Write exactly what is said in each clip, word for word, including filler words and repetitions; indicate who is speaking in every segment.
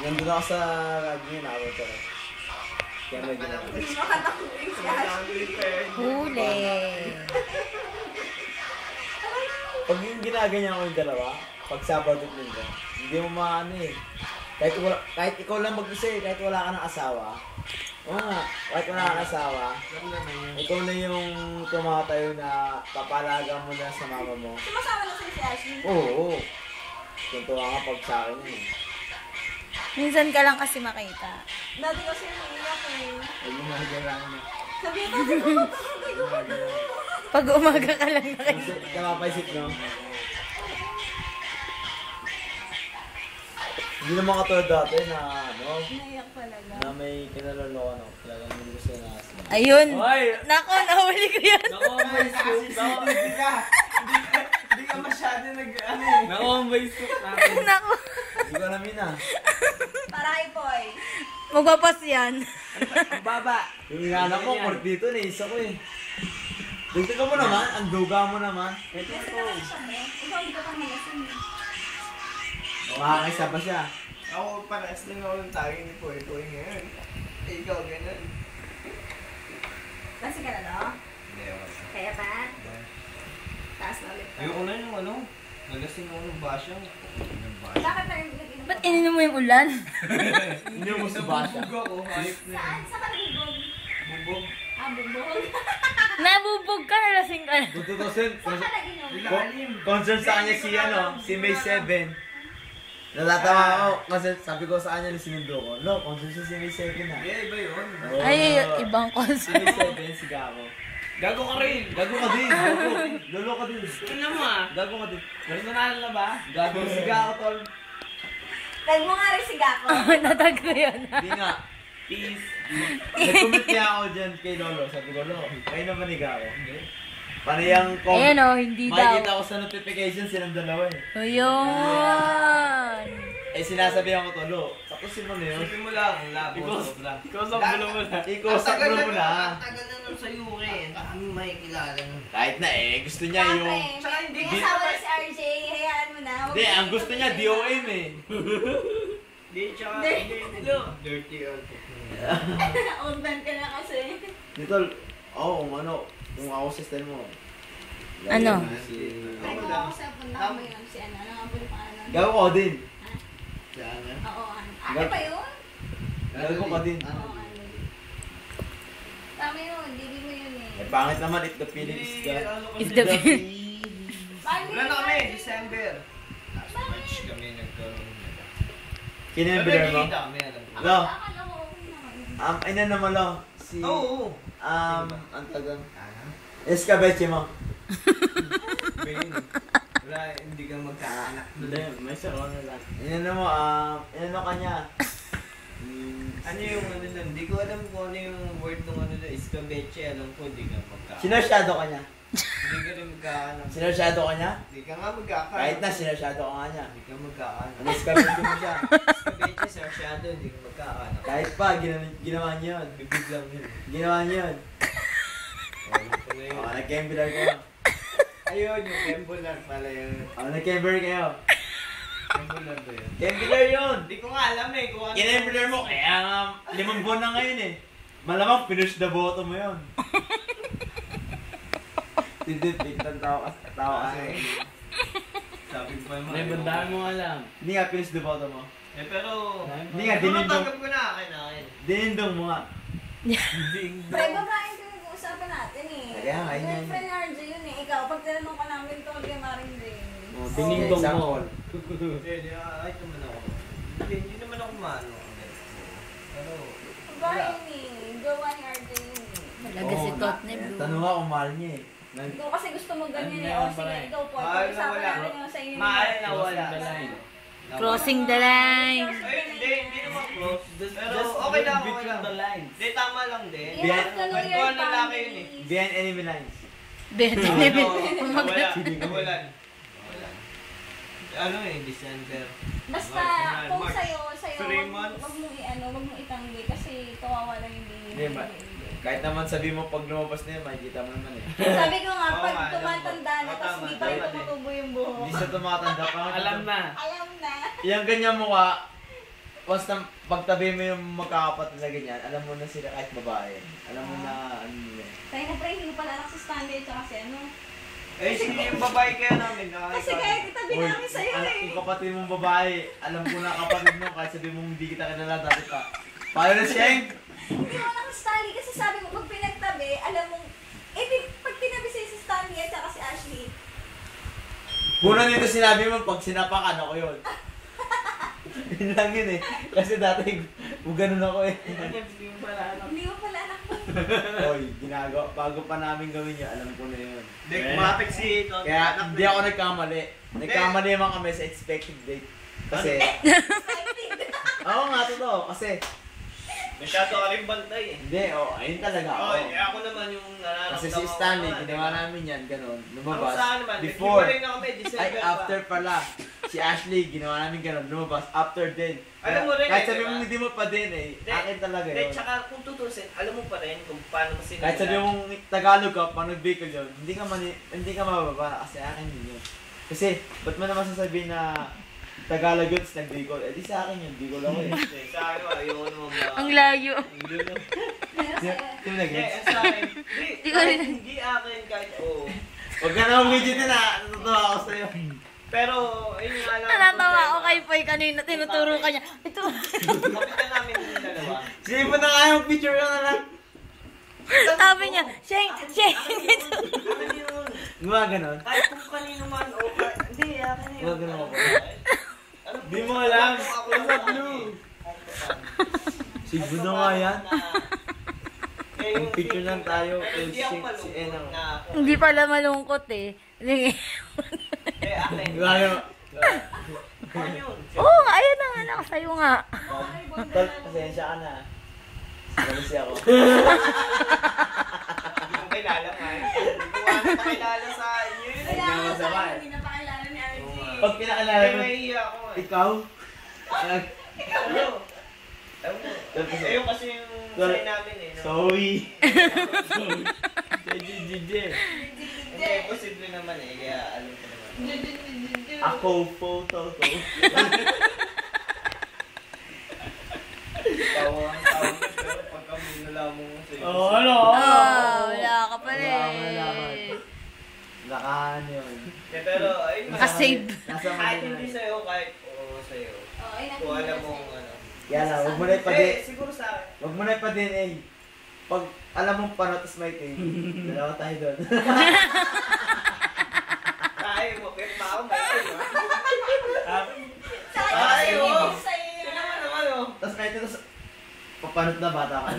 Speaker 1: Nandun ako sa radyo, nakabot ko. Kaya may ginawa.
Speaker 2: Huli.
Speaker 1: Pag yung ginaganyan ko yung dalawa, pag Sabado at Linggo, hindi mo maano eh. Kahit, wala, kahit ikaw lang mag-isa eh, kahit wala ka ng asawa. Oo nga, kahit wala ka ng asawa, ikaw na yung tumatayo na papalaga mo na sa mama mo.
Speaker 3: Sumasama na si Ashley?
Speaker 1: Oo, oo. Tuntua nga pag sa akin yun.
Speaker 2: Minsan ka lang kasi makita.
Speaker 3: Dati kasi umiiyak eh.
Speaker 1: Huwag mo mahagalangan na.
Speaker 3: Sabi ko, sabi ko, sabi ko,
Speaker 2: Pag umaga ka lang nakita.
Speaker 1: Kamapaisip, no? Hindi naman katulad dati na, ano,
Speaker 3: naiyak talaga.
Speaker 1: na may kinalolokan ako. Talagang hindi gusto na kasi.
Speaker 2: Ayun.
Speaker 4: Hoy!
Speaker 2: Nako, nahuli ko yan.
Speaker 4: Nako, may scoop. Nako,
Speaker 5: Hindi ka, hindi ka masyado nag, ano eh.
Speaker 4: Nako, may scoop natin.
Speaker 2: Nako.
Speaker 1: Hindi ko alam yun ah.
Speaker 3: Para kay Poy.
Speaker 2: Magpapas yan.
Speaker 5: Ang baba.
Speaker 1: Yung inanak mo, port dito, naisa ko eh. Tignan mo naman, ang duga mo naman.
Speaker 3: Kasi naman siya eh. Ikaw hindi ka pang malasin eh.
Speaker 1: Makakaisa pa siya.
Speaker 5: Ako parehas lang ako ng tagi ni Poy Poy ngayon. Eh, ikaw ganun.
Speaker 3: Kasi ka na no?
Speaker 5: Hindi ako.
Speaker 3: Kaya pa? Taas na ulit.
Speaker 5: Ayoko na yung ano. Nagasing ako ng basyang. Ng basyang.
Speaker 3: Bakit tayo nag-inom?
Speaker 2: Ba't ininom mo yung ulan?
Speaker 1: Hindi mo sa basya.
Speaker 5: Nabubog ako. Hayop na
Speaker 3: Saan?
Speaker 5: yun.
Speaker 3: Saan ka nabubog?
Speaker 5: Bubog.
Speaker 3: Ah, bubog.
Speaker 2: Nabubog ka, nalasing ka na.
Speaker 1: Tututusin.
Speaker 3: Saan ka nag-inom?
Speaker 5: Ilalim.
Speaker 1: Concern sa kanya si ano, si May seven. Natatawa ako kasi sabi ko sa kanya na sinundo ko. No, concern siya si May seven ah.
Speaker 5: Yeah, iba yun.
Speaker 1: Oo.
Speaker 2: Ay, ibang
Speaker 1: Si
Speaker 2: concert.
Speaker 1: May seven, si Gabo.
Speaker 4: Gago ka rin.
Speaker 1: Gago ka din, gago. Lolo ka din.
Speaker 4: Ano mo ah?
Speaker 1: Gago ka din.
Speaker 4: Personal na ba?
Speaker 1: Gago si Gabo, tol.
Speaker 3: Tag mo nga rin si Gako.
Speaker 2: Natag ko yun.
Speaker 1: Hindi nga.
Speaker 4: Peace.
Speaker 1: Nag-comment kaya ako dyan kay Lolo. Sabi ko, Lolo, kayo naman ni Gabo. Paano yung com-
Speaker 2: Ayan o, hindi
Speaker 1: makikita
Speaker 2: daw.
Speaker 1: ko sa notification silang dalawa eh.
Speaker 2: Ayun.
Speaker 1: Eh sinasabihan ko to, Lo, tapusin mo na yun.
Speaker 5: Isipin mo lang, ang labo.
Speaker 4: Ikaw,
Speaker 5: sobra.
Speaker 4: ikaw sa bulo mo na.
Speaker 1: Ikaw sa ulo mo na.
Speaker 5: Ang tagal na nun sa U K. Ang makikilala nun.
Speaker 1: Kahit na eh, gusto niya yung...
Speaker 3: Siyempre,
Speaker 5: Tsaka
Speaker 3: may
Speaker 5: hindi-
Speaker 3: may asawa na si R J. Hayaan mo na. Huwag
Speaker 1: Hindi,
Speaker 3: mo
Speaker 1: ang gusto niya D O M eh.
Speaker 5: Hindi, tsaka
Speaker 3: Dirty.
Speaker 5: hindi, hindi. Dirty old.
Speaker 3: Old man ka na kasi.
Speaker 1: Dito, oo, oh, kung ano, kung ako sa style mo.
Speaker 2: Ano?
Speaker 1: Si...
Speaker 3: Ay, kung ako sa punta mo yun, si ano, ano nga po yung pangalan?
Speaker 1: Gago ko din.
Speaker 5: Saan na?
Speaker 3: Oo, ano. Ate pa yun?
Speaker 1: Gago ka din.
Speaker 3: Oo, ano. Tama yun, hindi mo yun eh.
Speaker 1: Eh, pangit naman if the feeling is the...
Speaker 2: Is the
Speaker 3: Bakit
Speaker 5: Wala na kami,
Speaker 3: yun?
Speaker 5: December. Last March kami nagkaroon.
Speaker 1: Kinembler mo?
Speaker 5: Nagkikita kami, alam ko.
Speaker 1: Lo,
Speaker 3: Akala ko okay naman.
Speaker 1: um, ina naman lo. Si...
Speaker 5: Oo, oo.
Speaker 1: Um, ang tagang...
Speaker 5: Ano?
Speaker 1: Escabeche mo.
Speaker 5: Pain. Wala, hindi ka magkaanak.
Speaker 1: Hindi, may sarong na lang. Inano mo, um, inano ka niya. Hmm,
Speaker 5: Ano yung ano nun? Hindi ko alam kung ano yung word ng ano na escabeche. Alam ko, hindi ka magkaanak.
Speaker 1: Sinasyado ka niya.
Speaker 5: Hindi ka rin magkaanak.
Speaker 1: Sinasyado ka niya?
Speaker 5: Hindi ka nga magkaanak.
Speaker 1: Kahit na, sinasyado ka nga niya.
Speaker 5: Hindi ka magkaanak.
Speaker 1: Ano escabeche mo siya?
Speaker 5: Escabeche, sir, shadow, hindi ka magkaanak.
Speaker 1: Kahit pa, ginawa, ginawa niya yun.
Speaker 5: Bibig lang yun.
Speaker 1: Ginawa niya yun.
Speaker 5: Alam ko na yun.
Speaker 1: Oo, nag-kembler kayo.
Speaker 5: Ayun, yung Kembular pala yun.
Speaker 1: Oo, nag-kembler kayo.
Speaker 5: Kembular ba yun?
Speaker 1: Kembler yun!
Speaker 5: Hindi ko nga alam eh kung ano.
Speaker 1: Kinembler mo, kaya nga, limang buwan na ngayon eh. Malamang finish the bottom mo yun. Hindi, tignan tao kasi. Tao kasi.
Speaker 5: Sabi ko pa yung
Speaker 4: May bandahan mo nga lang.
Speaker 1: Hindi nga finish the bottom mo.
Speaker 5: Eh pero...
Speaker 1: Hindi nga,
Speaker 5: Pero
Speaker 1: dinindong.
Speaker 5: tanggap ko na akin akin.
Speaker 1: Dinindong mo nga.
Speaker 3: Pre, babae ko yung usapan natin eh.
Speaker 1: Kaya nga, yun yan.
Speaker 3: Friend R J yun eh. Ikaw, pag tinanong ka namin tungkol kay Maring din.
Speaker 1: Oh,
Speaker 4: Dinindong mo.
Speaker 1: example.
Speaker 5: Hindi, hindi, ay naman ako. Hindi, hindi naman ako maano. Pero...
Speaker 3: Babae yun eh. Gawa ni R J yun eh.
Speaker 2: Talaga si
Speaker 1: Oo,
Speaker 2: Tot
Speaker 1: na-
Speaker 2: ni Blue.
Speaker 1: Tanong nga kung mahal niya eh. Nag-
Speaker 3: Ikaw kasi gusto mo ganyan
Speaker 4: Ano
Speaker 3: eh.
Speaker 4: yan,
Speaker 3: O sige,
Speaker 4: pare?
Speaker 3: ikaw po.
Speaker 5: Mahal na
Speaker 3: Pag-usapan
Speaker 5: wala.
Speaker 3: namin yung sa inyo.
Speaker 5: Mahal na wala.
Speaker 4: Crossing the line.
Speaker 2: Crossing the line.
Speaker 5: Ay, hindi, hindi naman close.
Speaker 4: Just,
Speaker 5: Pero
Speaker 4: just
Speaker 5: okay lang, okay
Speaker 4: between
Speaker 5: lang.
Speaker 4: the lines.
Speaker 5: Hindi, tama lang din.
Speaker 3: You have to know your
Speaker 5: Kwentuhan ng lalaki yun eh.
Speaker 3: family.
Speaker 1: Behind enemy lines.
Speaker 2: Beto
Speaker 5: Ano,
Speaker 2: ni
Speaker 5: wala, wala. Wala. Ano eh, December.
Speaker 3: Basta,
Speaker 5: March,
Speaker 3: kung
Speaker 5: March.
Speaker 3: sa'yo, sa'yo,
Speaker 5: Three
Speaker 3: wag,
Speaker 5: months.
Speaker 3: wag mong i-ano, wag mong itanggi kasi kawawa lang yung baby.
Speaker 1: Hindi, ma- Kahit naman sabi mo pag lumabas na yun, makikita mo naman eh.
Speaker 3: Sabi ko nga,
Speaker 5: Oo
Speaker 3: pag
Speaker 5: nga, alam
Speaker 3: tumatanda
Speaker 5: ko.
Speaker 3: na,
Speaker 5: Oo,
Speaker 3: tapos
Speaker 5: tama,
Speaker 3: hindi pa rin
Speaker 5: dapat eh.
Speaker 3: tumutubo yung buhok.
Speaker 1: Hindi siya tumatanda pa.
Speaker 4: Alam na.
Speaker 3: Alam na.
Speaker 1: Yung ganyan mukha, once na pagtabi mo yung magkakapatid na ganyan, alam mo na sila kahit babae. Alam mo na ano yun.
Speaker 3: Kaya na pre, hindi ko pala anak si Stanley at saka si ano.
Speaker 5: Eh, sige yung babae kaya namin.
Speaker 3: Kasi kaya kitabi
Speaker 1: Uy,
Speaker 3: namin sa'yo
Speaker 1: anak
Speaker 3: eh.
Speaker 1: yung kapatid mong babae, alam ko na kapatid mo kahit sabi mong hindi kita kilala dati pa. Paano na siya?
Speaker 3: Hindi mo anak si Stanley kasi sabi mo pag pinagtabi, alam mo, eh di- pag tinabi sa'yo si Stanley at saka si Ashley,
Speaker 1: Una dito sinabi mo, pag sinapakan ako yun. Yun lang yun eh. Kasi dati, ganun ako eh.
Speaker 4: Hindi mo pala anak.
Speaker 3: hindi mo pala anak mo.
Speaker 1: Oy, ginagawa. Bago pa namin gawin yun, alam ko na yun.
Speaker 5: Hindi, kumapit si Ito.
Speaker 1: Kaya hindi ako nagkamali. Nagkamali naman kami sa expected date. Kasi, oo nga, totoo. Kasi,
Speaker 5: Masyado ka rin bantay eh.
Speaker 1: hindi, oh, ayun talaga
Speaker 5: Oo,
Speaker 1: ako.
Speaker 5: eh, ako naman yung nararamdaman
Speaker 1: Kasi si
Speaker 5: ko
Speaker 1: Stanley,
Speaker 5: naman,
Speaker 1: ginawa
Speaker 5: diba?
Speaker 1: namin yan, ganun.
Speaker 5: Ako
Speaker 1: Lumabas.
Speaker 5: sa akin naman,
Speaker 1: Before.
Speaker 5: naghiwalay na kami, December
Speaker 1: Ay,
Speaker 5: pa.
Speaker 1: after pala. Si Ashley, ginawa namin ganun. Lumabas. After din.
Speaker 5: Alam mo rin
Speaker 1: Kahit
Speaker 5: eh,
Speaker 1: sabi
Speaker 5: diba?
Speaker 1: mo hindi mo pa din eh.
Speaker 5: Hindi.
Speaker 1: Akin talaga
Speaker 5: Hindi,
Speaker 1: yun.
Speaker 5: tsaka kung tutusin, alam mo pa rin kung paano mo sinunod.
Speaker 1: Kahit sabi mong Tagalog ka, pag nag-Bicol yun, hindi ka, mani, hindi ka mababa kasi akin yun yun. Kasi, ba't mo naman sasabihin na Tagalog yun, tapos nag-Bicol? Eh di sa akin yun, Bicol ako eh.
Speaker 5: Eh, sa akin, ayaw naman ba?
Speaker 2: Ang layo.
Speaker 3: Meron
Speaker 1: Di
Speaker 3: sa'yo.
Speaker 1: di mo
Speaker 5: Hindi,
Speaker 1: nag-gets?
Speaker 5: sa akin, hindi,
Speaker 2: Di ko
Speaker 5: kahit
Speaker 2: rin-
Speaker 5: hindi akin, kahit oo.
Speaker 1: Huwag ka na umidyo din ah, natutuwa ako sa'yo.
Speaker 5: Pero, ayun nga lang.
Speaker 2: Natatawa ako kay Poy kanina, tinuturo ka niya. Ito.
Speaker 5: Kapitan namin yung dalawa.
Speaker 1: Sige mo na nga yung picture ka na lang.
Speaker 2: Sabi niya, Sheng, Sheng.
Speaker 5: Ano yun?
Speaker 1: Gumawa ganon.
Speaker 5: Kahit kung kanino man, o kahit, hindi, akin yun.
Speaker 1: Huwag ganun ako.
Speaker 5: Ano
Speaker 4: Di mo alam.
Speaker 5: Ako
Speaker 4: Nasa
Speaker 5: lang
Speaker 4: blue.
Speaker 1: Siguro na nga yan.
Speaker 5: Eh,
Speaker 1: Ang picture lang tayo,
Speaker 5: Pero hindi ako
Speaker 1: si- si
Speaker 5: malungkot
Speaker 1: Enang.
Speaker 5: na ako.
Speaker 2: Hindi pala malungkot eh. Hindi.
Speaker 5: Eh, akin.
Speaker 1: Gumawa
Speaker 5: Ano yun?
Speaker 2: Oo nga, ayun na nga, nakasayo nga.
Speaker 1: Tol, pasensya ka na. Malisi ako.
Speaker 5: Hindi ko kilala nga. Hindi ko nga nakilala sa inyo yun.
Speaker 3: Kaya
Speaker 1: Hindi
Speaker 3: nga
Speaker 1: mo
Speaker 3: sa
Speaker 1: sama
Speaker 3: akin,
Speaker 1: eh.
Speaker 3: hindi napakilala ni R J.
Speaker 1: Pag pinakilala
Speaker 5: Eh,
Speaker 1: mo,
Speaker 5: mahihiya ako eh.
Speaker 1: ikaw? Nag-
Speaker 5: Ano? Ewan ko. Ayun kasi yung
Speaker 1: Sorry.
Speaker 5: sign namin eh. no?
Speaker 1: Sorry.
Speaker 4: J J J J.
Speaker 5: Hindi, posible naman eh. Kaya alam ko naman.
Speaker 1: Ako, photo ko.
Speaker 5: Tawa ang tawag ko, pero pagka may nalaman mo sa'yo.
Speaker 4: Oh, ano?
Speaker 2: Oh, wala ka pa
Speaker 1: Wala, wala.
Speaker 2: rin.
Speaker 1: Nakahan yun.
Speaker 5: Eh, pero, ayun nga.
Speaker 2: Nakasave.
Speaker 1: Nasa
Speaker 5: Kahit
Speaker 1: Manila.
Speaker 5: hindi sa'yo, kahit oo sa'yo.
Speaker 3: Oo, ay
Speaker 5: Kung alam mo kung ano.
Speaker 1: Kaya lang, huwag mo na
Speaker 5: Eh,
Speaker 1: ipa-din.
Speaker 5: siguro sa akin.
Speaker 1: Huwag mo na ipa-din eh. Pag alam mong paano, tapos may tape. Dalawa tayo doon.
Speaker 5: Kaya mo, kahit pa ako, may tayo.
Speaker 3: Sa
Speaker 5: Ay,
Speaker 3: akin,
Speaker 5: oo.
Speaker 3: hindi sa'yo.
Speaker 5: Ito naman naman, oh.
Speaker 1: Tapos may tape, tapos papanot na bata ka na.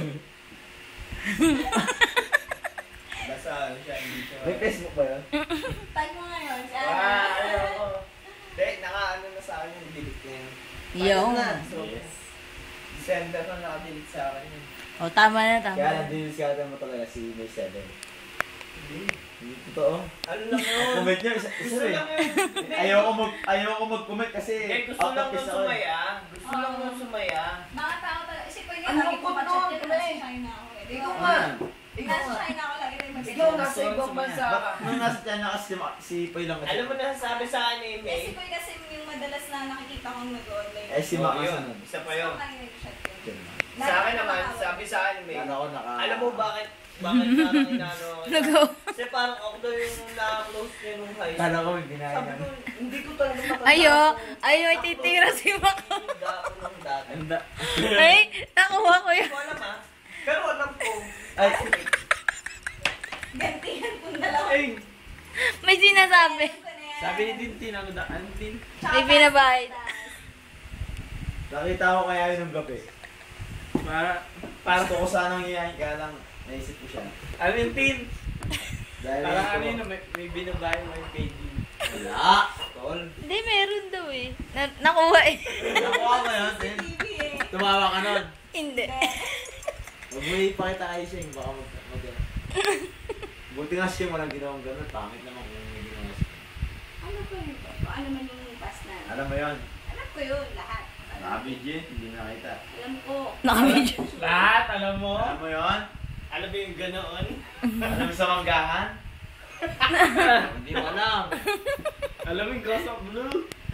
Speaker 5: Basta ano siya, hindi siya.
Speaker 1: May Facebook ba yun?
Speaker 3: Tag mo ngayon, si
Speaker 5: Ah,
Speaker 3: Ana.
Speaker 5: ayoko. Hindi, naka-ano na sa akin yung delete na yun.
Speaker 2: Yung.
Speaker 5: Na, so,
Speaker 4: Yes.
Speaker 5: December na naka-delete sa akin yun.
Speaker 2: Oh, tama na, tama
Speaker 1: Kaya
Speaker 2: na.
Speaker 1: lang, diniskarte mo talaga si May seven. Hindi totoo.
Speaker 5: Ano lang yun?
Speaker 1: Comment nyo, isa, isa
Speaker 5: Gusto
Speaker 1: rin.
Speaker 5: lang yun. Hindi,
Speaker 1: Ayoko mag, ayoko mag-comment kasi
Speaker 5: Eh, gusto
Speaker 1: out
Speaker 5: lang
Speaker 1: of
Speaker 5: nung
Speaker 1: piece ako eh.
Speaker 5: sumaya. Gusto lang nung sumaya.
Speaker 3: Mga tao talaga. Kasi pwede
Speaker 5: Ang
Speaker 3: lagi
Speaker 5: lungkot
Speaker 3: ko pa-chat
Speaker 5: nun,
Speaker 3: yan.
Speaker 5: pre.
Speaker 3: Nasa China ako eh. Di
Speaker 5: Ikaw
Speaker 3: ba?
Speaker 5: nga.
Speaker 3: Nasa China ako lagi tayo mag-chat.
Speaker 5: Ikaw nasa ibang bansa ka.
Speaker 1: Ba- Nung nasa China kasi si, si Poy lang kasi.
Speaker 5: Alam mo na sabi sa akin ni
Speaker 3: Kasi
Speaker 5: May.
Speaker 3: pwede kasi yung madalas na nakikita kong nag-online.
Speaker 1: Eh si
Speaker 5: Oh,
Speaker 1: Mac
Speaker 5: yun.
Speaker 1: nasa nun.
Speaker 5: Isa pa
Speaker 3: So,
Speaker 5: yun.
Speaker 3: lagi nag-chat yun.
Speaker 5: Sa akin naman, sabi sa akin ni May.
Speaker 1: Kala ko naka...
Speaker 5: Alam mo bakit? Bakit parang inaano ako?
Speaker 2: Nag-go.
Speaker 5: Kasi parang ako daw yung na-close niya nung high school.
Speaker 1: Kala ko may ginaya
Speaker 5: Sabi ko,
Speaker 1: na.
Speaker 5: hindi ko talaga matanda.
Speaker 2: Ayo,
Speaker 5: kung
Speaker 2: ayo,
Speaker 5: na-close
Speaker 2: ititira si Mac.
Speaker 5: yung dako nung dati.
Speaker 1: Anda.
Speaker 2: Ay, nakuha ko
Speaker 5: Hindi
Speaker 2: yun.
Speaker 5: ko alam ah. Pero alam ko.
Speaker 1: Ay,
Speaker 3: Gantihan kong dalawa.
Speaker 4: Ay,
Speaker 2: May sinasabi.
Speaker 4: sabi ni Tintin, ako daan din.
Speaker 2: May binabahid.
Speaker 1: nakita ko kaya yun ng gabi.
Speaker 4: Para, para,
Speaker 1: Gusto ko sanang iyayin, kaya lang naisip ko siya.
Speaker 4: ano yung Tin?
Speaker 1: Dahil
Speaker 4: Para
Speaker 1: ito-
Speaker 4: ano yun, may, may binabayo, may paging.
Speaker 1: Wala! Tol.
Speaker 2: Hindi, meron daw eh. Na nakuha eh.
Speaker 1: Nakuha mo yun, Tin?
Speaker 3: T V eh.
Speaker 1: Tumawa ka nun.
Speaker 2: Hindi.
Speaker 1: Huwag mo ipakita kay Sheng, baka mag... mag Buti nga siya walang ginawang ganun. Pangit naman kung may ginawa siya.
Speaker 3: Ano ko yun? Ano man yung past na?
Speaker 1: Alam mo yun?
Speaker 3: Alam ko yun, lahat. Alam,
Speaker 1: Naka-video, hindi nakita.
Speaker 3: alam ko.
Speaker 2: Nakamedyo.
Speaker 4: Lahat, alam mo?
Speaker 1: Alam mo yun?
Speaker 5: Alam mo yung ganoon?
Speaker 1: Alam mo sa manggahan? Hindi mo alam.
Speaker 4: Alam mo yung Ghost of Blue?